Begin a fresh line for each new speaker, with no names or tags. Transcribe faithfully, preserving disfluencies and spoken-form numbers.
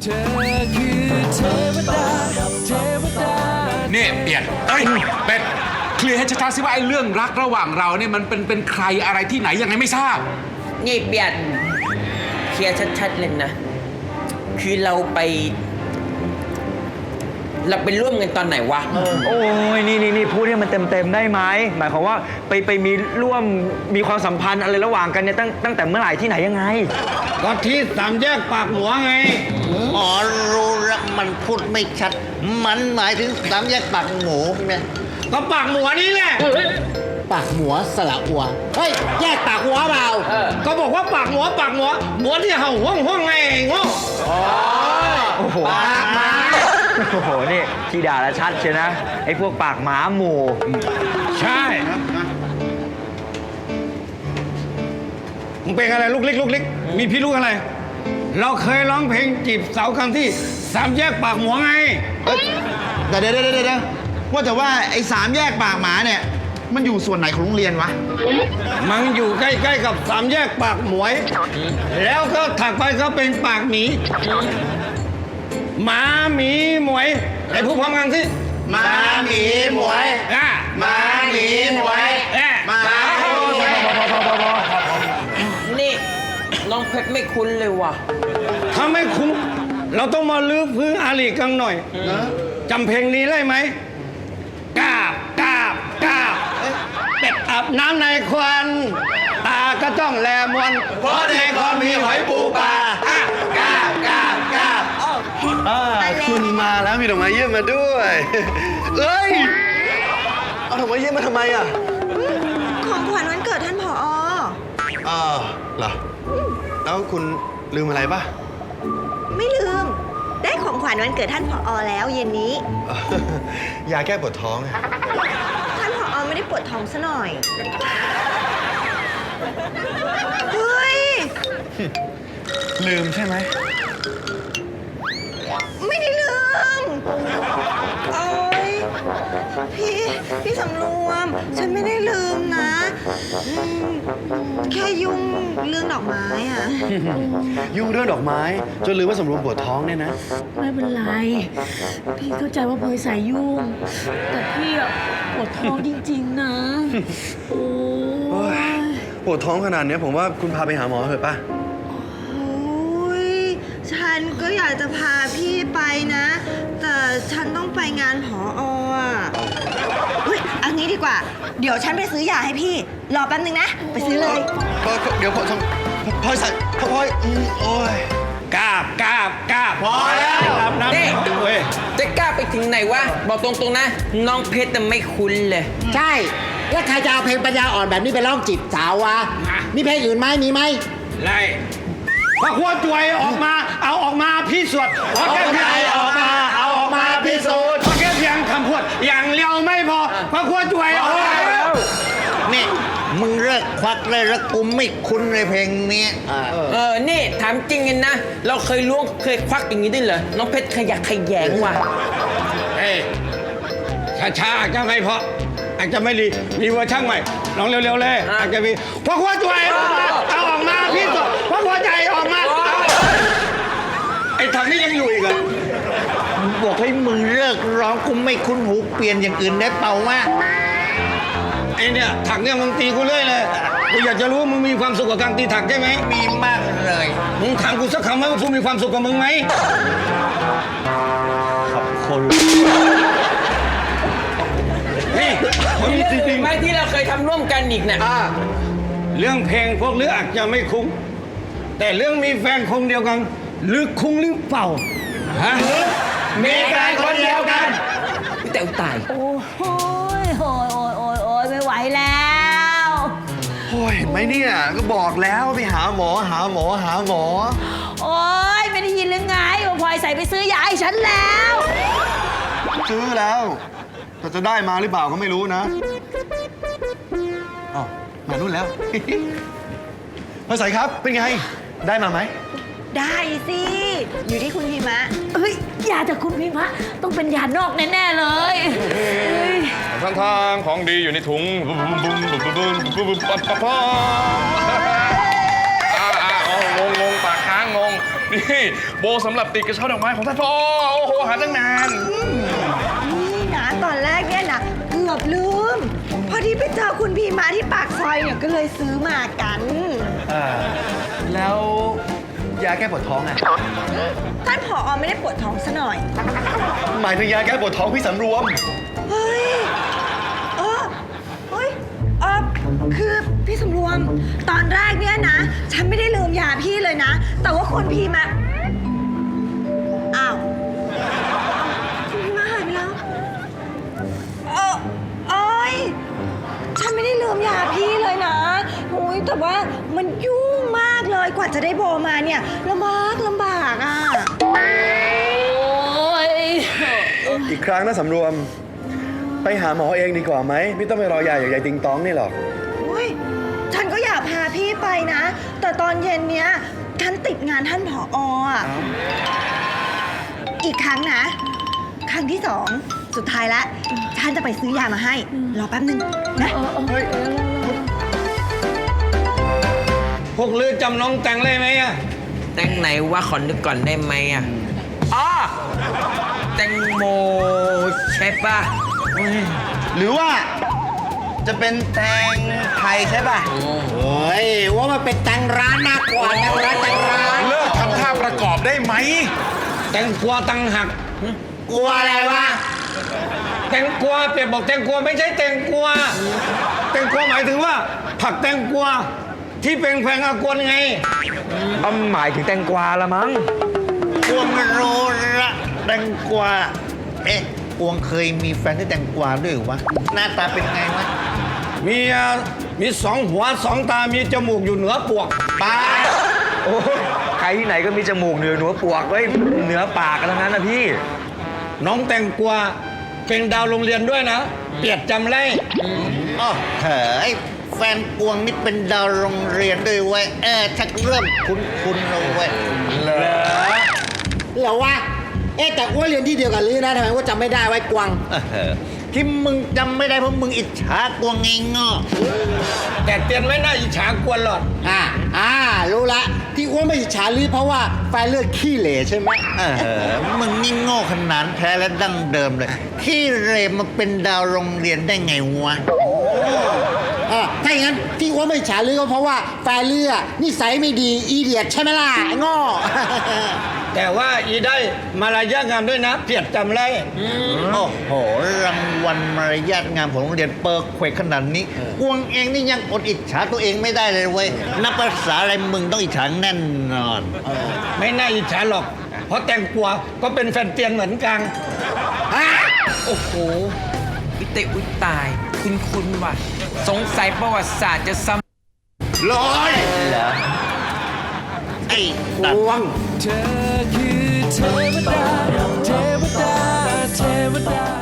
เธอคือเทวดาเทวดา
เนี่ยเปลี่ยนเอ้ยเป็ดเคลียร์ให้ชัดๆสิว่าไอ้เรื่องรักระหว่างเราเนี่ยมันเป็นเป็นใครอะไรที่ไหนยังไงไม่ทราบ
นี่เปลี่ยนเคลียร์ชัดๆเลยนะคือเราไปเราไปร่วมกันตอนไหนวะ
โอ้ยนี่นี่นี่พูดให้มันเต็มเต็มได้ไหมหมายความว่าไปไปมีร่วมมีความสัมพันธ์อะไรระหว่างกันเนี่ยตั้งตั้งแต่เมื่อไหร่ที่ไหนยังไง
ก็ที่สามแยกปากหมัวไง
อ๋อรู้ละมันพูดไม่ชัดมันหมายถึงสามแยกปากหมูเนี่ย
ก็ปากหมัวนี่แหละ
ปากหมัวสระอัวเฮ้ยแยกปากหัวเปล่า
ก็บอกว่าปากหมัวปากหมัวหมัวที่เห่าห้องห้องไงโง่
โอ้โหปากหมาโอ้โหนี่ที่ด่าละชัดเชียวนะไอ้พวกปากหมาหมู่
ใช่มึงเป็นอะไรลูกเล็กลูกเล็กมีพี่ลูกอะไรเราเคยร้องเพลงจีบสาวครั้งที่สามแยกปากหมัวไง
แต่เดี๋ยวเดี๋ยวเดี๋ยวว่าแต่ว่าไอ้สามแยกปากหมาเนี่ยมันอยู่ส่วนไหนของโรงเรียนวะ
มันอยู่ใกล้ๆกับสามแยกปากหมวยแล้วก็ถัดไปก็เป็นปากหมีหมาหมีหมวยไอ้พูดพร้อมกันสิ
หมาหมีหมวย
อ่ะ
หมาหมีหมวย
หมาหมีหมวย
นี่น้องเพชรไม่คุ้นเลยว่ะ
ถ้าไม่คุ้นเราต้องมาลื้อพื้นอาลีกันหน่อยจำเพลงนี้ได้ไหมกาบกาบกาบเป็ดอาบน้ำในควันตาก็จ้องแลมวนเพราะในควันมีหอยปูปลากาบกาบกาบ
คุณมาแล้วมีดอกไม้เยี่ยมมาด้วยเอ้ยเอาดอกไม้เยี่ยมมาทำไมอ่ะ
ของขวัญวันเกิดท่านผอ.
อ๋อเหรอแล้วคุณลืมอะไรป่ะ
ไม่ลืมได้ของขวัญวันเกิดท่านผอ.แล้วเย็นนี้
ยาแก้ปวดท้อง
ท่านผอ.ไม่ได้ปวดท้องซะหน่อยเฮ้ย
ลืมใช่ไหม
ไม่ได้ลืมโอ๊ยพี่พี่สำรวมฉันไม่ได้ลืมนะแค่ยุ่งเรื่องดอกไม้อะ
ยุ่งเรื่องดอกไม้จนลืมว่าสำรวมปวดท้องเนี่ยนะ
ไม่เป็นไรพี่เข้าใจว่าพลอยสายยุ่งแต่พี่อะปวดท้องจริงๆนะโอ้ย
ปวดท้องขนาดนี้ผมว่าคุณพาไปหาหมอเถอะป่ะ
ฉันก็อยากจะพาพี่ไปนะแต่ฉันต้องไปงานผอ.อ่ะเฮ้ยอันนี้ดีกว่าเดี๋ยวฉันไปซื้อยาให้พี่รอแป๊บนึงนะไปซื้อเลย
เดี๋ยวพอทำพอใส่พอพอยโอ้ย
กาบกาบกาบ
พอแล้วนี่จะกล้าไปถึงไหนวะบอกตรงๆนะน้องเพชรแต่ไม่คุ้นเลย
ใช่แล้วใครจะเอาเพลงปัญญาอ่อนแบบนี้ไปร้องจีบสาววะมีเพลงอื่นไหมมีไหม
ไรพอขั้วจวยออกมาเอาออกมาพิสูจน์พอแค่เพียงออกมาเอาออกมาพิสูจน์พอแค่เพียงคำพูดอย่างเดียวไม่พอพอขั้วจวยออกมา
นี่มึงเลิกควักเลยแล้วกูไม่คุ้นเลยเพลงนี้
เออนี่ถามจริงกันนะเราเคยล้วงเคยควักอย่างนี้ได้เหรอน้องเพชรขยักขยแยงว่ะ
เฮ้ยช้าๆอาจจะไม่พออาจจะไม่ดีมีเวอร์ชันใหม่ลองเร็วๆเลยอาจจะมีพอขั้วจวยออกมาเอาออกมาพิสูจน์พอขั้วใจออกมาไอ้ทางนี้ยังอยู่อีกเหรอ
บอกให้มึงเลิกร้องกูไม่คุ้นหูเปลี่ยนอย่างอื่นได้เปล่าวะ
ไอ้เนี่ยถักเนี่ยมึงตีกูเรื่อยเลยกูอยากจะรู้ว่ามึงมีความสุขกับการตีถักใช่ไหม
มีมากเลย
มึงถามกูสักคำว่ากูมีความสุขกับมึงไหม
ขอบคุณ
นี่
มีเรื่องไหมที่เราเคยทำร่วมกันอีกเนี่ย
เรื่องเพลงพวกลืออาจจะไม่คุ้งแต่เรื่องมีแฟนคนเดียวกันลือคุ้งหรือเปล่าฮะ
มีแฟนคนเดียวกันแต่ตาย
โอ้ยโอ้ยโอ้ยโอ้ยโอ้ยไม่ไหวแล้ว
โอ้ยเห็นไหมเนี่ยก็บอกแล้วไปหาหมอหาหมอหาหมอ
โอ้ยไม่ได้ยินหรือไงว่าพลอยใส่ไปซื้อยาให้ฉันแล้ว
ซื้อแล้วแต่จะได้มาหรือเปล่าก็ไม่รู้นะอ๋อมานู่นแล้วพลอยใส่ครับเป็นไงได้มาไหม
ได้สิอยู่ที่คุณพิมะ
เฮ้ยยาจากคุณพิมะต้องเป็นยานอกแน่ๆเลย
ทางทางของดีอยู่ในถุงบุ้มบุ้มบุ้มบุ้มบุ้มบุ้มบุ้มปั๊บปั๊บอ่าอ่างงงงปากค้างงงนี่โบสำหรับติดกระเช้าดอกไม้ของท่านพ่อโอ้โหหาตั้งนาน
นี่นะตอนแรกเนี่ยนะเกือบลืม พอดีไปเจอคุณพีมาที่ปากซอยเนี่ยก็เลยซื้อมากัน
อ่า แล้วยาแก้ปวดท้องอ่ะ
ท่านผอไม่ได้ปวดท้องซะหน่อย
หมายถึงยาแก้ปวดท้องพี่สำรวม
เฮ้ยเออเฮ้ยเออคือพี่สำรวม ตอนแรกเนี่ยนะ ฉันไม่ได้ลืมยาพี่เลยนะ แต่ว่าคุณพีมา อ้าวคุณพีมาหายไปแล้ว เออเอ้ย ฉันไม่ได้ลืมยาพี่เลยนะโอ้ยแต่ว่ามันยุ่งมากเลย กว่าจะได้โบมาเนี่ยลำบากลำบากอ่ะ
โอ้ย
อีกครั้งนะสำรวม ไปหาหมอเองดีกว่าไหม ไม่ต้องไปรอยาอย่างยายติงตองนี่หรอก
อุ้ยฉันก็อยากพาพี่ไปนะ แต่ตอนเย็นเนี้ยฉันติดงานท่านผออ่ะ อีกครั้งนะ ครั้งที่สองสุดท้ายแล้วฉันจะไปซื้อยามาให้ รอแป๊บนึงนะ
พวกลือจำน้องแตงได้ไหมอะ
แตงไหนว่าขอนึกก่อนได้ไหมอ่ะอ๋อแตงโมใช่ปะ
หรือว่าจะเป็นแตงไทยใช่ป่ะ
เฮ้ย ว่ามันเป็นแตงร้านมากกว่าแตงร้านแตงร้าน
เลิกทำท่าประกอบได้ไหม
แตงกวาตังหัก
กลัวอะไรวะ
แตงกวาเปรียบบอกแตงกวาไม่ใช่แตงกวาแตงกวาหมายถึงว่า ผักแตงกวาที่เป็นแพงอากวนไง
อ้ำหมายถึงแตงกวาละมั้ง
กวงโรละแตงกวา เอ๊ะกวงเคยมีแฟนที่แตงกวาด้วยเหรอวะ หน้าตาเป็นไงวะ
มีอ่ะมีสองหัวสองตา มีจมูกอยู่เหนือปวก
ป้า
โอ้ยใครที่ไหนก็มีจมูกเหนือหัวปวกไว้เหนือปากกันทั้งนั้นนะพี่
น้องแตงกวาเป็นดาวโรงเรียนด้วยนะ เปียดจำไร
อ๋อเฮ้ยแฟนกวงนี่เป็นดาวโรงเรียนด้วยเว้ย เออชักเริ่มคุ้นๆแล้วเว้ย
เหรอ
เหรอวะ เอ๊ะแต่อ้วนเรียนที่เดียวกันหรือนะทำไมว่าจำไม่ได้ไว้กวาง
เออที่มึงจำไม่ได้เพราะมึงอิจฉากวงไงง้อ
แต่เตียนไม่น่าอิจฉากวนหรอก
อ่าอ่ารู้ละ ที่อ้วนไม่อิจฉาลือเพราะว่าแฟนเลือดขี้เหร่ใช่ไหม
เออมึงนี่โง่ขนาดแท้และดั้งเดิมเลย ที่เรมาเป็นดาวโรงเรียนได้ไงวะ
อ่าถ้าอย่างนั้นที่อ้วนไม่อิจฉาลือก็เพราะว่าแฟนเลือดนิสัยไม่ดีอีเดียดใช่ไหมล่ะไอ้ง้อ
แต่ว่าอีได้มารยาทงามด้วยนะ เปียดจำไร
โอ้โห รางวัลมารยาทงามของโรงเรียนเปิร์เควกขนาดนี้กวงเองนี่ยังอดอิจฉาตัวเองไม่ได้เลยเว้ย นับภาษาอะไรมึงต้องอิจฉาแน่นอน
ไม่น่าอิจฉาหรอก เพราะแตงกวาก็เป็นแฟนเตียนเหมือนกัน
โอ้โหวิเตอุยตาย คุณคุณว่ะ สงสัยประวัติศาสตร์จะซ้ำ
ร้อยเหรอ ไอ้ตัด
เธอคือเทวดา เทวดา เทวดา